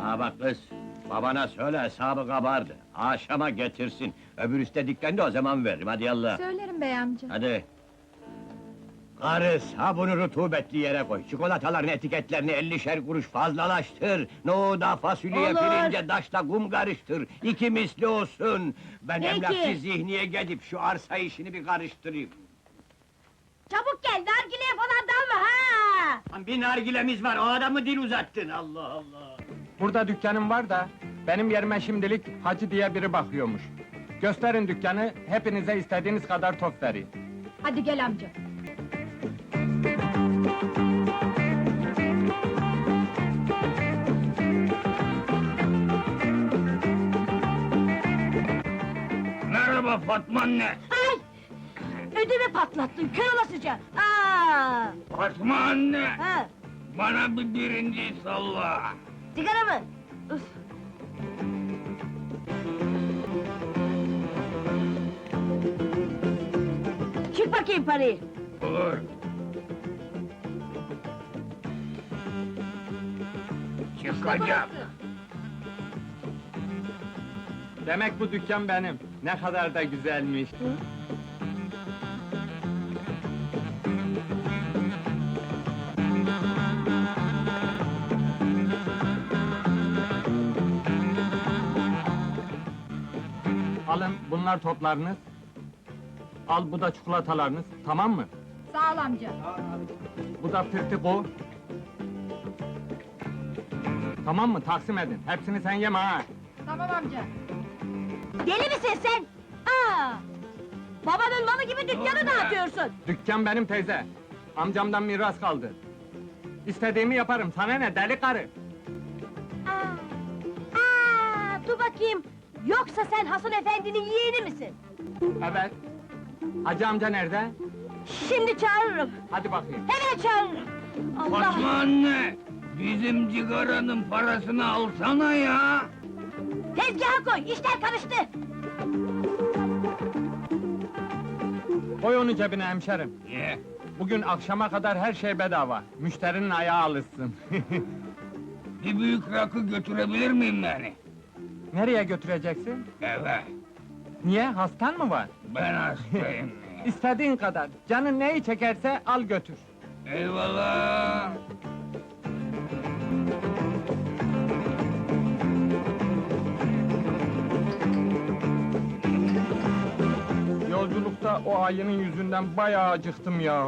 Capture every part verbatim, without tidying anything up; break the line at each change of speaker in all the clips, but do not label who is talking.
Ha bak kız, babana söyle hesabı kabardı. Akşama getirsin. Öbür istediklerini de o zaman veririm, hadi yallah.
Söylerim bey amca.
Hadi. Karı, sabunu rutubetli yere koy. Çikolataların etiketlerini ellişer kuruş fazlalaştır. Nohuda, fasulyeye,
Olur.
pirince, daşla kum karıştır. İki misli olsun. Ben
Peki.
emlakçı Zihni'ye gidip şu arsa işini bir karıştırayım.
Çabuk gel, nargileye falan dalma ha!
Lan bir nargilemiz var, o adamı dil uzattın, Allah Allah!
Burada dükkanım var da, benim yerime şimdilik Hacı diye biri bakıyormuş. Gösterin dükkanı, hepinize istediğiniz kadar top vereyim.
Hadi gel amca.
Merhaba Fatma anne!
Ay! Ödümü patlattın, kör olasıca! Aa!
Fatma anne!
Ha!
Bana bir birinci salla!
Sigara mı? Üf! Çık bakayım parayı!
Olur! Çıkacağım!
Demek bu dükkan benim, ne kadar da güzelmiş. Alın, bunlar toplarınız. Al, bu da çikolatalarınız, tamam mı?
Sağ ol amca.
Bu da pırtiko. Tamam mı, taksim edin. Hepsini sen yeme ha!
Tamam amca. Deli misin sen? Aa! Babanın malı gibi dükkanı dağıtıyorsun!
Dükkan benim teyze. Amcamdan miras kaldı. İstediğimi yaparım, sana ne deli karı?
Aa! Aa! Dur bakayım! Yoksa sen Hasan efendinin yeğeni misin?
Evet. Hacı amca nerede?
Şimdi çağırırım!
Hadi bakayım.
Hemen çağırırım! Allah!
Fatma anne! Bizim cigaranın parasını alsana ya!
Tezgaha koy, işler karıştı!
Koy onu cebine hemşerim.
Ye!
Bugün akşama kadar her şey bedava. Müşterinin ayağı alışsın.
Bir büyük rakı götürebilir miyim yani?
Nereye götüreceksin?
Eve!
Niye, hastan mı var?
Ben hastayım!
İstediğin kadar. Canın neyi çekerse al götür.
Eyvallah!
Yolculukta o ayının yüzünden bayağı acıktım ya.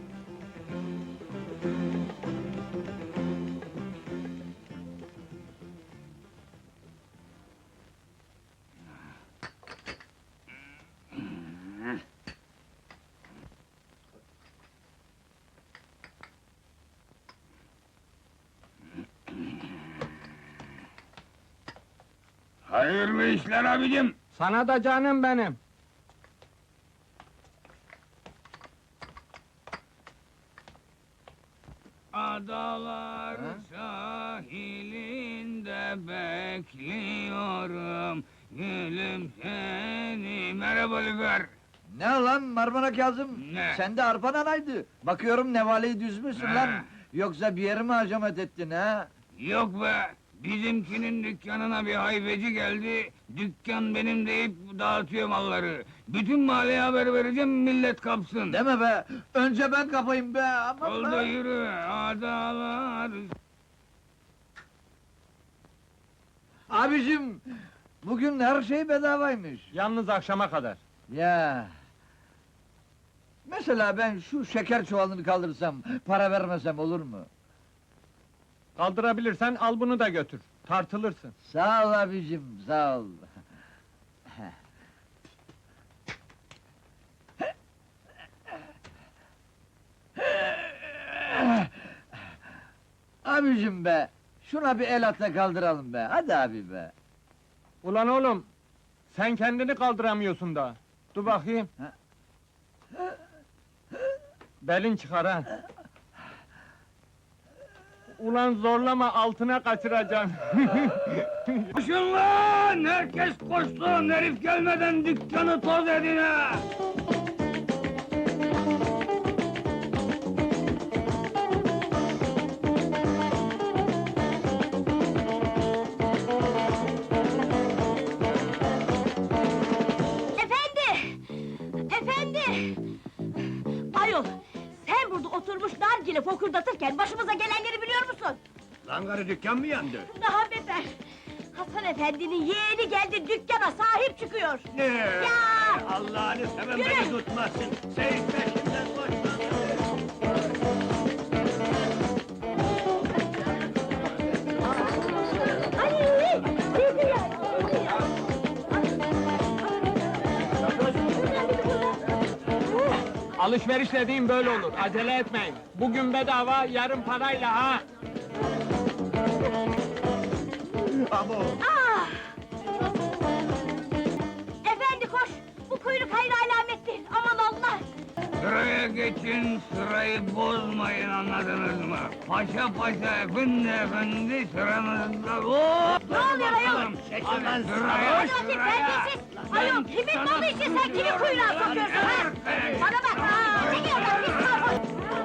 Hayırlı işler abicim!
Sana da canım benim.
Adalar sahilinde bekliyorum, gülüm seni. Merhaba Lüfer!
Ne lan Marmara Kazım?
Ne?
Sen de arpan anaydı. Bakıyorum nevaleyi düzmüşsün
Ne?
lan. Yoksa bir yeri mi hacamet ettin ha?
Yok be! Bizimkinin dükkanına bir hayfeci geldi, dükkan benim deyip dağıtıyor malları. Bütün mahalleye haber vereceğim, millet kapsın.
Deme be! Önce ben kapayım be! Aman
Oldu
be!
yürü, adalar...
Abicim! Bugün her şey bedavaymış.
Yalnız akşama kadar.
Ya! Mesela ben şu şeker çuvalını kaldırsam, para vermesem olur mu?
Kaldırabilirsen al bunu da götür. Tartılırsın.
Sağ ol abicim, sağ ol. Abicim be! Şuna bir el atla kaldıralım be, hadi abi be!
Ulan oğlum, sen kendini kaldıramıyorsun da. Dur bakayım.
Ha?
Belin çıkar ha. Ulan zorlama, altına kaçıracaksın.
Koşun lan! Herkes koşsun! Herif gelmeden dükkanı toz edin ha!
Kangarı dükkan mı yandı?
Daha beter! Hasan efendinin yeğeni geldi, dükkana sahip çıkıyor!
Ne?
Ya!
Allah'ını seven
Yürü!
beni tutmasın! Seyit peşimden koşma!
Ay! Dedi ya! dedi ya.
Alışveriş dediğim böyle olur, acele etmeyin. Bugün bedava, yarın parayla ha!
Abo!
Ah! Efendi koş! Bu kuyruk hayır alamettir, aman Allah!
Sıraya geçin, sırayı bozmayın, anladınız mı? Paşa paşa, efendi efendi, sıranızda... Hop!
Ne oluyor ayol?
Bakalım.
Çekil
Hadi
lan,
sıraya,
Hadi bakayım,
sıraya!
terbiyesiz! Ayol, kimin malı için sen kimi kuyruğa sokuyorsun ha? Bana bak, aa, çekil oradan, pis sarhoş!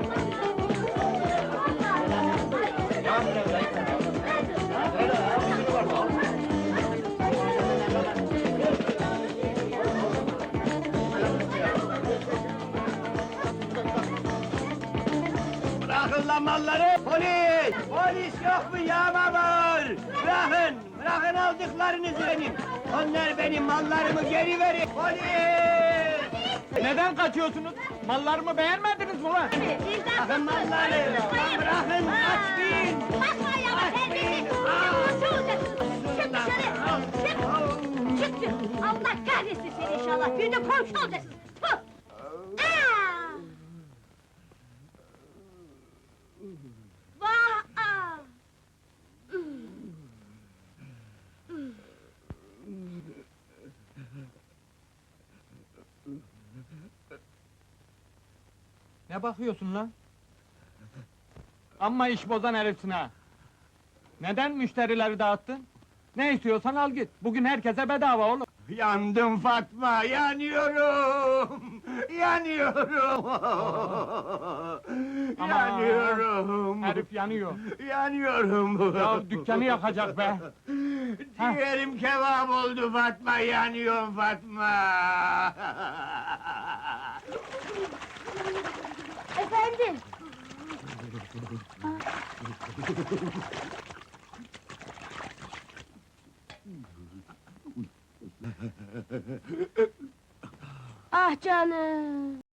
Bırakın lan malları! Polis! Polis yok mu yağma var? Bırakın! Bırakın aldıklarınızı benim! Onlar benim mallarımı geri verin! Polis!
Neden kaçıyorsunuz? Mallarımı beğenmediniz mi lan?
Bırakın malları! Bırakın! Açmayın!
Basma ayağıma, terbiyesiz! Komşu olacaksın! Çık dışarı! Çık! Çık çık! Allah kahretsin seni inşallah! Bir de komşu olacaksın! Tüh! Aa! Vah! Aa!
Ne bakıyorsun lan? Amma iş bozan herifsin ha! Neden müşterileri dağıttın? Ne istiyorsan al git, bugün herkese bedava oğlum!
Yandım Fatma, yanıyorum! Yanıyorum!
Aman!
Yanıyorum!
Herif yanıyor!
Yanıyorum!
Ya dükkanı yakacak be! Ha.
Ciğerim kebap oldu Fatma, yanıyorum Fatma!
Efendim! Ah canım!